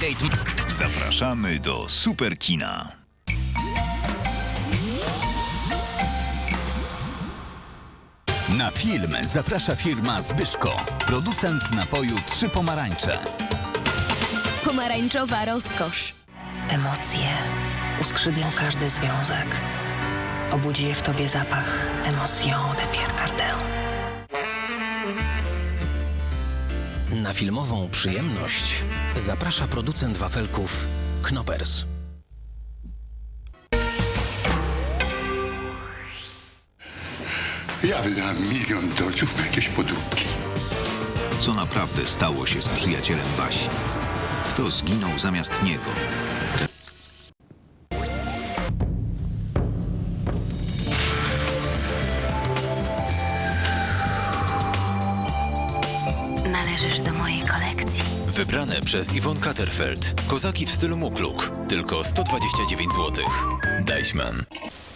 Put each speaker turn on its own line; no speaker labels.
Stargate.
Zapraszamy do Superkina.
Na film zaprasza firma Zbyszko, producent napoju Trzy Pomarańcze.
Pomarańczowa rozkosz.
Emocje uskrzydlą każdy związek. Obudzi je w tobie zapach Emotion de Pierre Cardin.
Na filmową przyjemność zaprasza producent wafelków Knoppers.
Ja wydałem $1 000 000 na jakieś podróbki.
Co naprawdę stało się z przyjacielem Basi? Kto zginął zamiast niego?
Należysz do mojej kolekcji.
Wybrane przez Yvonne Catterfeld. Kozaki w stylu Mukluk. Tylko 129 zł. Deichmann.